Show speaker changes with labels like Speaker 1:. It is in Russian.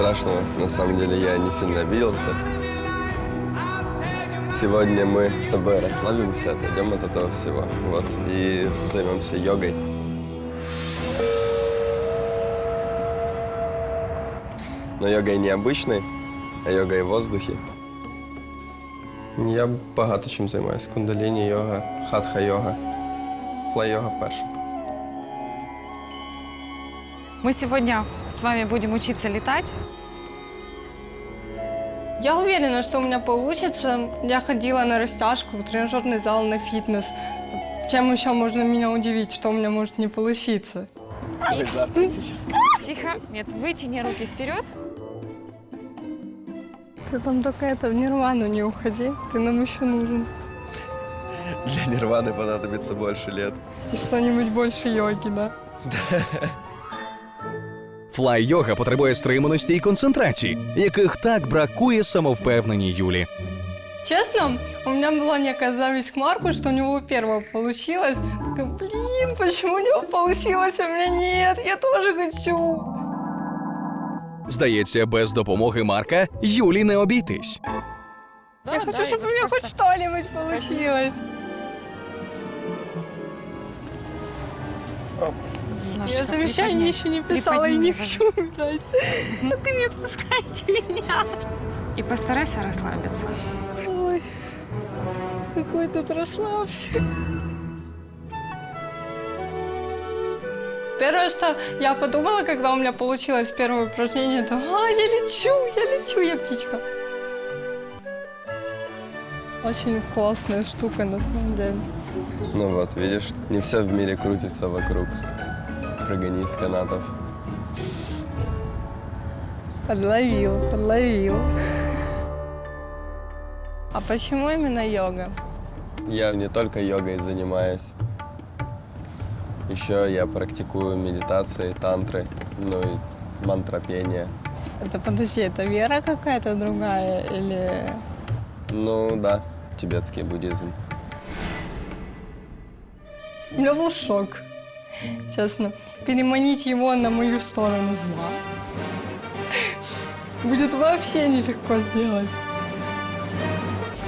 Speaker 1: Страшного, на самом деле, я не сильно обиделся. Сегодня мы с собой расслабимся, отойдем от этого всего, вот, и займемся йогой. Но йогой не обычной, а йогой в воздухе. Я багато чим займаюся. Кундаліні-йога, хатха-йога, флай-йога вперше.
Speaker 2: Мы сегодня с вами будем учиться летать.
Speaker 3: Я уверена, что у меня получится. Я ходила на растяжку, в тренажерный зал, на фитнес. Чем еще можно меня удивить, что у меня может не получиться?
Speaker 2: Тихо. Нет, вытяни руки вперед.
Speaker 3: Ты там только это, в нирвану не уходи, ты нам еще нужен.
Speaker 1: Для нирваны понадобится больше лет.
Speaker 3: И что-нибудь больше йоги, да?
Speaker 4: Флай-йога потребує стриманості і концентрації, яких так бракує самовпевненій Юлі.
Speaker 3: Честно, у меня была некая зависть к Марку, что у него первое получилось. Такая, блин, почему у него получилось, а у меня нет, я тоже хочу.
Speaker 4: Здається, без допомоги Марка Юлі не обійтись.
Speaker 3: Я хочу, чтобы у меня хоть что-нибудь получилось. Я завещание еще не писала и не хочу умирать. Ну ты не отпускайте меня.
Speaker 2: И постарайся расслабиться.
Speaker 3: Ой, какой тут расслабься. Первое, что я подумала, когда у меня получилось первое упражнение, это я лечу, я птичка. Очень классная штука, на самом деле.
Speaker 1: Ну вот, видишь, не все в мире крутится вокруг. Прыганий с канатов.
Speaker 3: Подловил. А почему именно йога?
Speaker 1: Я не только йогой занимаюсь. Еще я практикую медитации, тантры, ну и мантропение.
Speaker 3: Это, подожди, это вера какая-то другая или...
Speaker 1: Ну да, тибетский буддизм.
Speaker 3: У меня был шок, честно. Переманить его на мою сторону зла будет вообще нелегко сделать.